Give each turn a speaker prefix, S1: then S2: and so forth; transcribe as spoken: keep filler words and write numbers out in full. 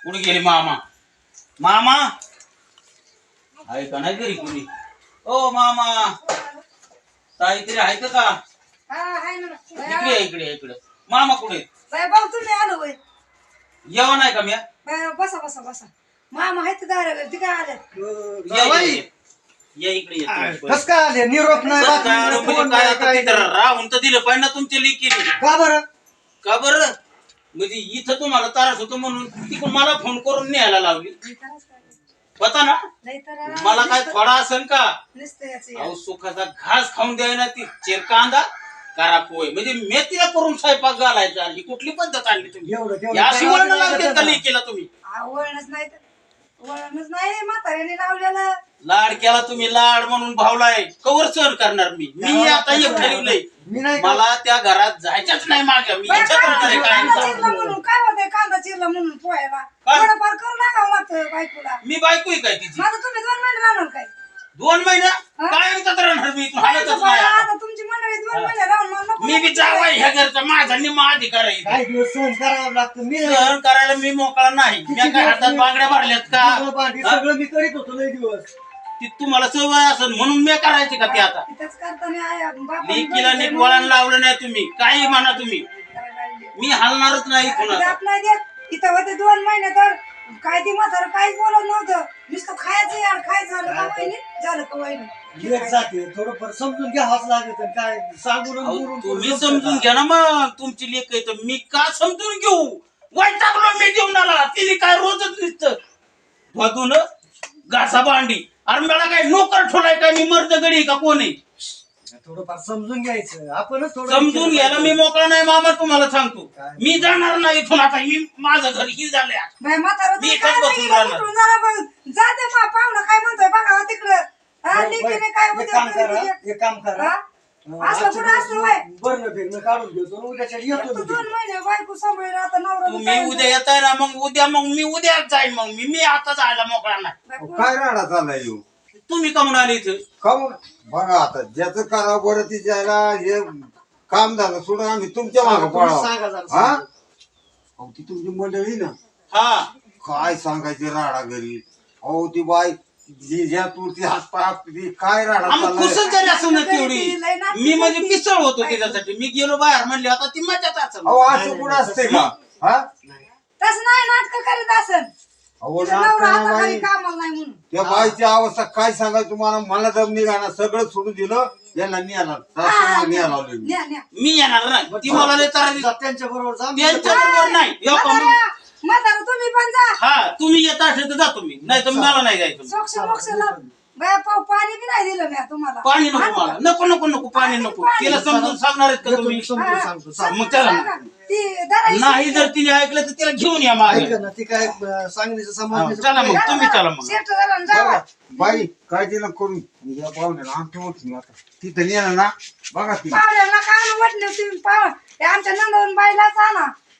S1: कुठे गेले मामा? मामा आहे का नाही घरी कुणी? ओ मामा काहीतरी आहे का?
S2: हा आहे ना.
S1: इकडे इकडे इकडे मामा कुठे?
S2: बाय भाऊ तुम्ही आलो होय.
S1: जेवण आहे का? म्या
S2: बाय बसा बसा बसा. मामा आहेत दारावर ती काय आले?
S1: या इकडे. या इकडे ये तुम्ही.
S3: कस काय आले? निरोप नाही,
S1: कसं
S3: बातमी
S1: काय
S3: नाही,
S1: आलो म्हणजे
S3: फोन
S1: काय
S3: नाही,
S1: आता
S3: काय
S1: तिथं
S3: नाही.
S1: राहून तर दिलं पाहिजे ना तुमच्या लेकीने.
S3: का बरं?
S1: का बरं? म्हणजे इथं तुम्हाला त्रास होतो म्हणून तिकडून मला फोन करून न्यायला लावली. पता ना
S2: नाही तर
S1: मला काय थोडा असेल का?
S2: नुसतं याचं
S1: अहो सुखाचा घास खाऊन द्यायला ती चिरकांदा करा पोय म्हणजे मेथीला करून स्वयंपाक घालायचा. ही कुठली पद्धत आणली तुम्ही?
S3: एवढं तेवढं
S1: या
S3: करावं
S1: शिवण
S3: लागतं
S1: लावते
S3: ना.
S1: का लेकीला तुम्ही?
S2: वळणच नाही तर वळणच नाही म्हाताऱ्याने लावलेलं.
S1: लाड केला तुम्ही लाड म्हणून भावलाय कवर सहन करणार मी मी आता एक ठरवलंय
S3: मी नाही का-
S1: मला त्या घरात जायच्याच नाही माझ्या मी
S2: बाय,
S1: इच्छाच राहणार आहे
S2: कांदा
S1: काय.
S2: चिरला म्हणून काय होतंय कांदा चिरला म्हणून पोहायला
S1: काय?
S2: थोडंफार करून लागावं लागतं बायकोला.
S1: मी बायको आहे काय तिची?
S2: माझं तुम्ही दोन महिने राहणार काय?
S1: दोन महिना
S2: हा?
S1: काय म्हणतात राहणार मी इथून हालतच
S2: बायको
S1: नाही
S2: बाळा,
S1: आता.
S2: आता तुमची मंडळी दोन महिने राहून मग नको
S1: मी बी
S2: नको
S1: जावा
S2: करायला.
S1: ह्या घरचा माझा निम्मा अधिकार आहे इथे.
S3: काही दिवस सहन करावं लागतं. मी नाही-
S1: सहन करायला मी मोकळा नाही. मी काय हातात बांगड्या भरल्यात का?
S3: सगळं भांडी
S1: हा?
S3: सगळं मी करीत होतो लय दिवस.
S1: ती तुम्हाला सवय असेल म्हणून मी करायची का ते आता?
S2: तिथंच करताना आहे, बापाने
S1: लेकीला नीट
S2: बघितलं
S1: वळण लावलं नाही तुम्ही काही म्हणा तुम्ही
S2: करायला लागली.
S1: मी हलणारच नाही इथून
S2: इथं
S1: आता.
S2: आपल्या देत इथं होते दोन महिने तर काय ती म्हातारं काहीच बोलत नव्हतं. नुसतं खायचं यार खायचं झालं का वहिनी झालं का वहिनी
S3: लेट जाते थोडंफार समजून घ्यावंच लागत. काय सांगून आणि
S1: अहो,
S3: बोलून
S1: तुम्ही
S3: करून
S1: समजून
S3: जमतं
S1: घ्या ना मग तुमची लेक आहे तर मी का समजून घेऊ? वाईट टाकलो मी जेवणाला तिने काय रोजच नुसतं धुवाधुन घासा भांडी. अरे मला काय नोकर ठोलाय काय? मी मर्द गडी का कोणी?
S3: का? थोडंफार समजून घ्यायचं आपणच थोडं
S1: समजून घ्यायला मी मोकळा नाही मामा तुम्हाला सांगतो. मी जाणार नाही इथून आता. मी माझं घर ही झालंय आता.
S2: बाई म्हातारं
S1: मी
S2: तुम्ही
S1: इथंच
S2: काय
S1: बसून
S2: नाही
S1: राहणार.
S2: कुठून जरा बघ. जा दे मा पाहुणं काय म्हणतोय बघा तिकडं. हा,
S3: बरं,
S2: लेकीने
S3: बरं.
S2: काय
S3: एक
S2: उद्या
S3: काम
S2: तरी
S3: करा
S2: उद्या-
S3: एक काम करा
S2: हा? असलं कुठं असलं बाय?
S3: बरं फिरणं काढून घेतो आणि उद्याच्या येतो
S2: तू
S3: मी
S2: दोन
S3: तिकडे.
S2: महिने बायको सांभाळून आता नवरा बी
S1: तुम्ही
S2: काय
S1: उद्या येताय ना मग उद्या मग मी उद्या जाईन मग मी मी आता जायला मोकळा नाही.
S2: बायको-
S4: काय राडा चाललाय येऊ
S1: तुम्ही कमून आले इथं?
S4: खाऊन बघा आता ज्याचं करावं बरं ती ज्याला हे काम झालं सोडून आम्ही तुमच्या मागे
S3: तुम्ही
S4: पळावं
S3: सांगा जरा,
S4: हा
S3: सांगा.
S4: अहो ती तुमची मंडळी ना
S1: हा
S4: काय सांगायचे राडा घरी. अहो ती बाई जी ज्या तुरती हात पाय आपटी काय राडा
S1: आम्ही
S4: चाललाय.
S1: खुशच झाली असं ना तेवढी. मी म्हणजे पिसळ होतो त्याच्यासाठी. मी गेलो बाहेर म्हणले आता ती मजाच असेल.
S4: अहो असं कुठं असते का हा
S2: तसं नाही नाटक करीत असन.
S4: अहो
S2: तिचा नवरा
S4: नाटकं
S2: आता
S4: बाई
S2: घरी कामाला नाही म्हणून.
S4: त्या बाईची अवस्था काय सांगायचं तुम्हाला. मला दम निघाला सगळं सोडून दिलं याला न्यायला सासूला न्यायला लावलं मी.
S2: न्या, न्या.
S1: मी येणार नाही. ती मला लय त्रास देते.
S3: जा त्यांच्या बरोबर जा. मी
S1: त्यांच्या
S3: येतो.
S1: बरोबर नाही. यो का मग-
S2: म्हातारं, म्हातारं तुम्ही पण जा.
S1: हा तुम्ही येत असेल तर जातो मी नाही तर मला नाही जायचं.
S2: सोक्ष मोक्ष लाव. बाया पाव पाणी बी नाही दिलं मी तुम्हाला.
S1: पाणी नको मला. नको नको नको पाणी नको. तिला समजून सांगणार आहेत का
S3: येतो
S1: तुम्ही?
S3: मी समजून सांगतो सांग.
S1: मग चला.
S2: सांगा. ती धरायची.
S1: नाही जर तिने ऐकलं तर तिला घेऊन या मागे.
S3: ऐका ना ती काय अं, सांगण्याचं
S1: हा,
S3: समाज
S1: चला मग तुम्ही चला मग.
S2: शेट झाला ना, जावा.
S4: बघा, बाई काळजी नको करून या पाहुण्याला आमच्या ओळखी आता तिथं नेलं ना बघा ती
S2: पाहुण्याला काय वाटलं तुम्ही पाहू ते आमच्या नंदवून बाईलाच आणा